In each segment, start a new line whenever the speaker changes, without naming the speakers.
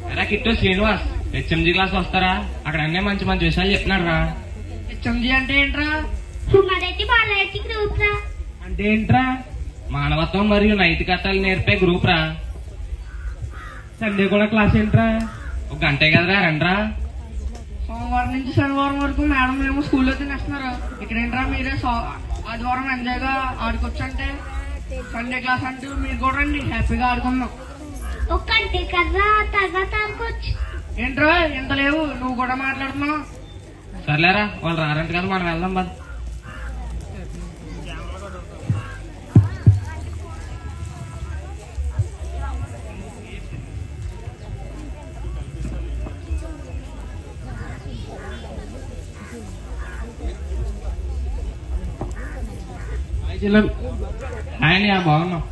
ఎరా kit Srinivas హెచ్ఎంజీ class వస్తారా? అక్కడ అన్నీ మంచి మంచి విషయాలు చెప్తున్నాడు రా.
హెచ్ఎంజీ అంటే ఏంట్రా?
మొదటి బాలయ్య గ్రూప్ రా.
అంటే ఏంట్రా?
మానవత్వం మరియు నైతికతలు నేర్పే గ్రూప్ రా.
సండే కూడా క్లాస్ ఏంట్రా?
ఒక గంటే కదరా, రండ్రా.
సోమవారం నుంచి శనివారం వరకు మేడం ఏమో స్కూల్లో తినేస్తున్నారు. ఇక్కడేంట్రా మీరే ఆదివారం ఎంజాయ్ గా ఆడుకోవచ్చు అంటే సండే క్లాస్ అంటూ మీరు కూడా రండి, హ్యాపీగా ఆడుకుందాం.
ఒక గంటే కదా తర్వాత ఆడుకోవచ్చు.
ఏంట్రా ఎంత లేవు, నువ్వు కూడా మాట్లాడుతున్నావు.
సర్లేరా, వాళ్ళు రారంట కదా, మనం వెళ్దాం బా. ఆయన బాగున్నాం.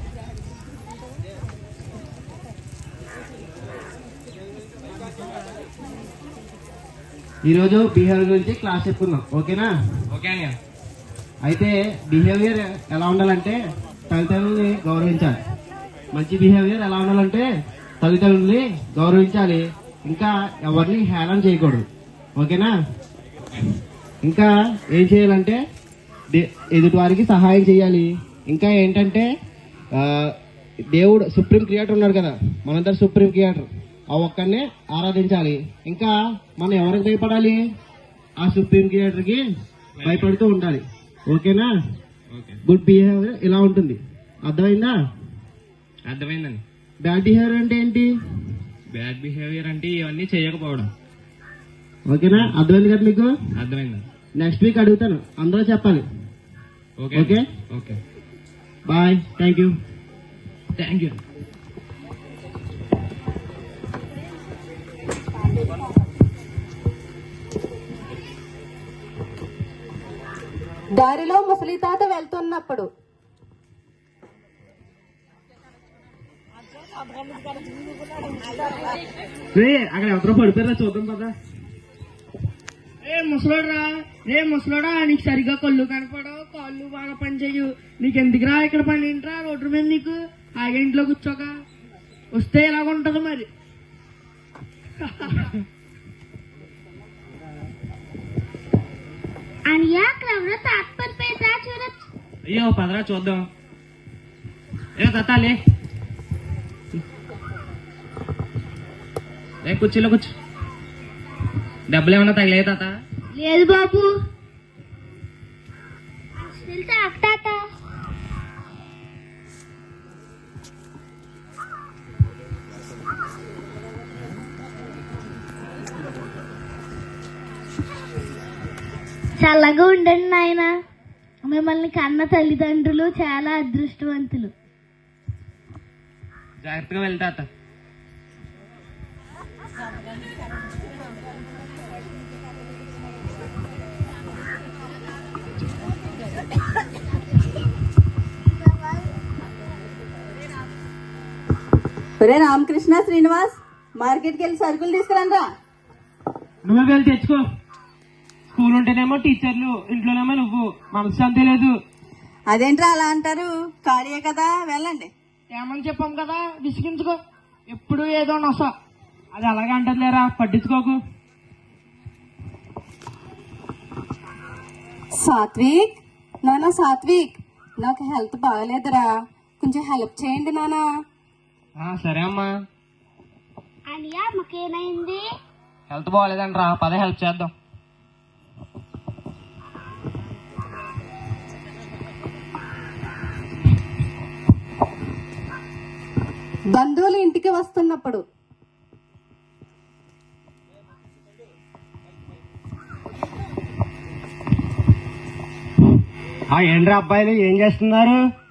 ఈరోజు బిహేవియర్ గురించి క్లాస్ చెప్పుకుందాం, ఓకేనా?
ఓకే అన్నయ్య.
అయితే బిహేవియర్ ఎలా ఉండాలంటే తల్లిదండ్రుల్ని గౌరవించాలి. మంచి బిహేవియర్ ఎలా ఉండాలంటే తల్లిదండ్రుల్ని గౌరవించాలి, ఇంకా ఎవరిని హేళన చేయకూడదు, ఓకేనా? ఇంకా ఏం చేయాలంటే ఎదుటి వారికి సహాయం చేయాలి. ఇంకా ఏంటంటే దేవుడు సుప్రీం క్రియేటర్ ఉన్నాడు కదా, మనందరు సుప్రీం క్రియేటర్, ఆ ఒక్కరినే ఆరాధించాలి. ఇంకా మనం ఎవరికి భయపడాలి? ఆ సుప్రీం క్రియేటర్ కి భయపడుతూ ఉండాలి, ఓకేనా? గుడ్ బిహేవియర్ ఇలా ఉంటుంది, అర్థమైందా?
అర్థమైందండి.
బ్యాడ్ బిహేవియర్ అంటే ఏంటి?
బ్యాడ్ బిహేవియర్ అంటే ఇవన్నీ చేయకపోవడం,
ఓకేనా? అర్థమైంది కదా మీకు?
అర్థమైందండి.
నెక్స్ట్ వీక్ అడుగుతాను, అందరూ చెప్పాలి. Okay
okay,
bye, thank you.
Thank you.
దారిలో ముసలి తాత వెళ్తున్నప్పుడు
అక్కడ ఎవరో పడిపోయారా చూద్దాం కదా.
ముసలోడా నీకు సరిగ్గా కళ్ళు కనపడవు, కాళ్ళు బాగా పనిచేయు, నీకెందుకురా ఇక్కడ పని ఏంట్రా రోడ్డు మీద? నీకు హాయిగా ఇంట్లో కూర్చోక వస్తే ఇలాగుంటది మరి.
అనియా అక్కడ ఎవరో తాత్పర్యరా చూడొచ్చు.
అయ్యో పదరా చూద్దాం. ఏ తాతాలే, కుర్చీలో కూర్చో. డబ్బులు ఏమన్నా తగిలే తాత?
లేదు బాబు. తాత చల్లగా ఉండండి నాయన. మిమ్మల్ని కన్న తల్లిదండ్రులు చాలా అదృష్టవంతులు.
జాగ్రత్తగా వెళ్తా తాత.
ఒరే రామకృష్ణ, శ్రీనివాస్, మార్కెట్కి వెళ్ళి సరుకులు తీసుకురండి.
నువ్వే వెళ్ళి తెచ్చుకో. స్కూల్ ఉంటేనేమో టీచర్లు, ఇంట్లోనేమో నువ్వు, మనశ్శాంతి లేదు.
అదేంట్రా అలా అంటారు? ఖాళీయే కదా, వెళ్ళండి.
ఏమని చెప్పాం కదా, విసిగించుకో. ఎప్పుడు ఏదో నొస. అది అలాగే అంటది లేరా, పట్టించుకోకు.
సాత్విక్, నానా సాత్విక్, నాకు హెల్త్ బాగలేదురా, కొంచెం హెల్ప్ చేయండి నానా.
సరే అమ్మా.
అనియా మాకేమైంది?
హెల్త్ బాగాలేదండి రా, పదే హెల్ప్ చేద్దాం.
బంధువులు ఇంటికి వస్తున్నప్పుడు
ఏంట్రా అబ్బాయిలు ఏం చేస్తున్నారు?